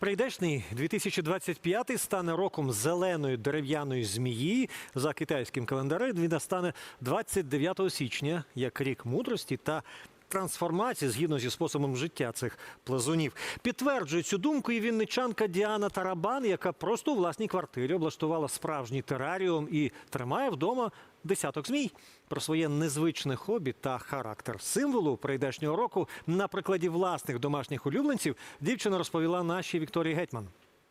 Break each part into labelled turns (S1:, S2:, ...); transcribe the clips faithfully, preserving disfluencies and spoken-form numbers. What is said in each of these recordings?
S1: Прийдешний дві тисячі двадцять п'ятий стане роком зеленої дерев'яної змії. За китайським календарем він настане двадцять дев'ятого січня, як рік мудрості та трансформації згідно зі способом життя цих плазунів. Підтверджує цю думку і вінничанка Діана Тарабан, яка просто у власній квартирі облаштувала справжній тераріум і тримає вдома десяток змій. Про своє незвичне хобі та характер символу прийдешнього року на прикладі власних домашніх улюбленців дівчина розповіла нашій Вікторії Гетьман.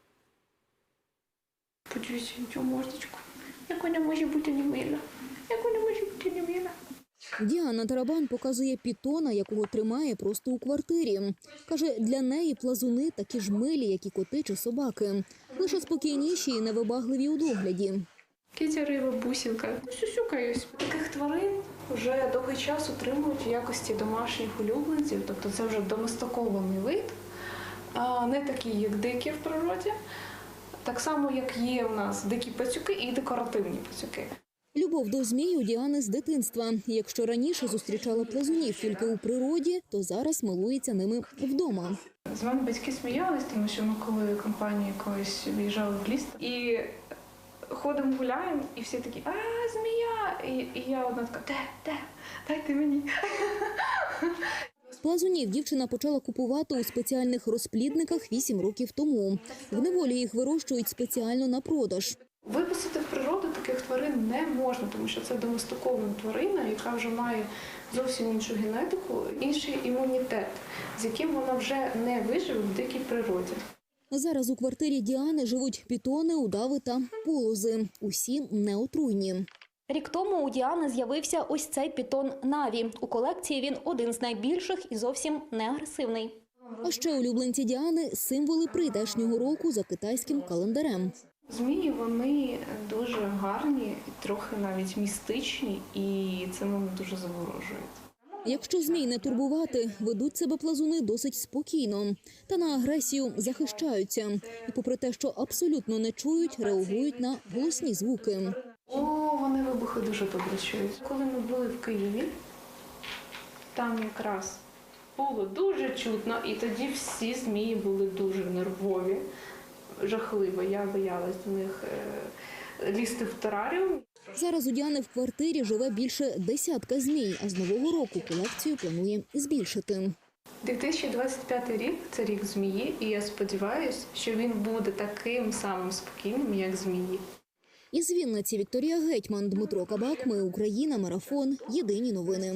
S2: Подивіться на цю мордочку. Як вона може бути немила? Як вона може бути немила?
S3: Діана Тарабан показує пітона, якого тримає просто у квартирі. Каже, для неї плазуни такі ж милі, як і коти чи собаки. Лише спокійніші і невибагливі у догляді.
S2: Кітя риба, бусинка. Сюсюкаюсь. Таких тварин вже довгий час утримують в якості домашніх улюбленців. Тобто це вже доместикований вид, не такий, як дикі в природі. Так само, як є у нас дикі пацюки і декоративні пацюки.
S3: Любов до змій у Діани з дитинства. Якщо раніше зустрічала плазунів тільки у природі, то зараз милується ними вдома.
S2: З мене батьки сміялись, тому що ми коли компанії колись виїжджали в ліс і ходимо, гуляємо, і всі такі: а, змія! І, і я одна така: де, де, дайте мені.
S3: Плазунів дівчина почала купувати у спеціальних розплідниках вісім років тому. В неволі їх вирощують спеціально на продаж.
S2: Випустити в природу таких тварин не можна, тому що це доместикована тварина, яка вже має зовсім іншу генетику, інший імунітет, з яким вона вже не виживе в дикій природі.
S3: Зараз у квартирі Діани живуть пітони, удави та полози. Усі неотруйні.
S4: Рік тому у Діани з'явився ось цей пітон Наві. У колекції він один з найбільших і зовсім не агресивний.
S3: А ще улюбленці Діани – символи прийдешнього року за китайським календарем.
S2: Змії, вони дуже гарні, трохи навіть містичні, і це мене дуже заворожує.
S3: Якщо змій не турбувати, ведуть себе плазуни досить спокійно. Та на агресію захищаються. І попри те, що абсолютно не чують, реагують на голосні звуки.
S2: О, вони вибухи дуже добре чують. Коли ми були в Києві, там якраз було дуже чутно, і тоді всі змії були дуже нервові, жахливо. Я боялась до них е, лізти в тераріум.
S3: Зараз у Діани в квартирі живе більше десятка змій, а з нового року колекцію планує збільшити.
S2: дві тисячі двадцять п'ятий рік – це рік змії, і я сподіваюся, що він буде таким самим спокійним, як змії.
S3: Із Вінниці Вікторія Гетьман, Дмитро Кабак. Ми Україна. Марафон. Єдині новини.